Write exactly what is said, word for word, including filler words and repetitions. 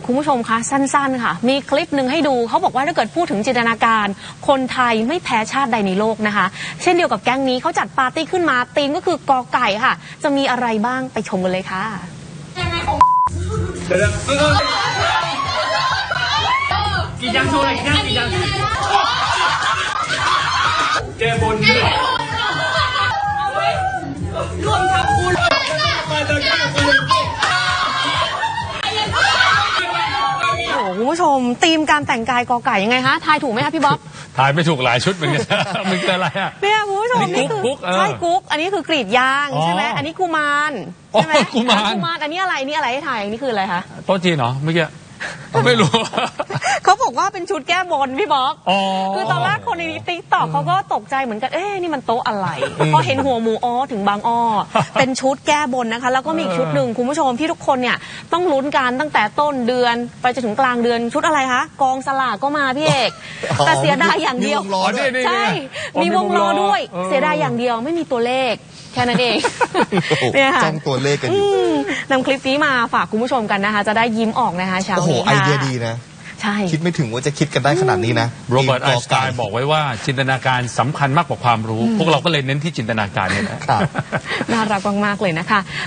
คุณผู้ชมคะสั้นๆค่ะมีคลิปหนึ่งให้ดูเขาบอกว่าถ้าเกิดพูดถึงจินตนาการคนไทยไม่แพ้ชาติใดในโลกนะคะเช่นเดียวกับแก๊งนี้เขาจัดปาร์ตี้ขึ้นมาธีมก็คือกอไก่ค่ะจะมีอะไรบ้างไปชมกันเลยค่ะกี่ยังโชว์อะไรกี่ยังกี่ยังแกบนด้วยรวมทำบุญมาจากแกบนโอ้โหคุณผู้ชมธีมการแต่งกายกอไก่ยังไงคะทายถูกไหมคะพี่บ๊อบทายไม่ถูกหลายชุดเหมือนกันมันคืออะไรอ่ะเนี่ยคุณผู้ชมนี่คือใช่กุ๊กอันนี้คือกรีดยางใช่ไหมอันนี้กุมารใช่ไหมกุมารกุมารอันนี้อะไรนี่อะไรให้ถ่ายอันนี้คืออะไรคะโต๊ะจีนเหรอเมื่อกี้ไม่รู้เขาบอกว่าเป็นชุดแก้บนพี่บ๊อบคือตอนแรกคนในติ๊กต็อกเขาก็ตกใจเหมือนกันเอ๊ะนี่มันโต๊ะอะไรพอเห็นหัวหมูอ้อถึงบางอ้อเป็นชุดแก้บนนะคะแล้วก็มีอีกชุดหนึ่งคุณผู้ชมที่ทุกคนเนี่ยต้องลุ้นกันตั้งแต่ต้นเดือนไปจนถึงกลางเดือนชุดอะไรคะกองสลากก็มาพี่เอกแต่เสียดายอย่างเดียวใช่มีวงล้อด้วยเสียดายอย่างเดียวไม่มีตัวเลขแค่นั้นเองเนี่ยค่ะจ้องตัวเลขกันอยู่นำคลิปนี้มาฝากคุณผู้ชมกันนะคะจะได้ยิ้มออกนะคะเช้านี้โอ้โหไอเดียดีนะใช่คิดไม่ถึงว่าจะคิดกันได้ขนาดนี้นะโรเบิร์ตไอน์สไตน์บอกไว้ว่าจินตนาการสำคัญมากกว่าความรู้พวกเราก็เลยเน้นที่จินตนาการเนี่ยนะน่ารักมากๆเลยนะคะ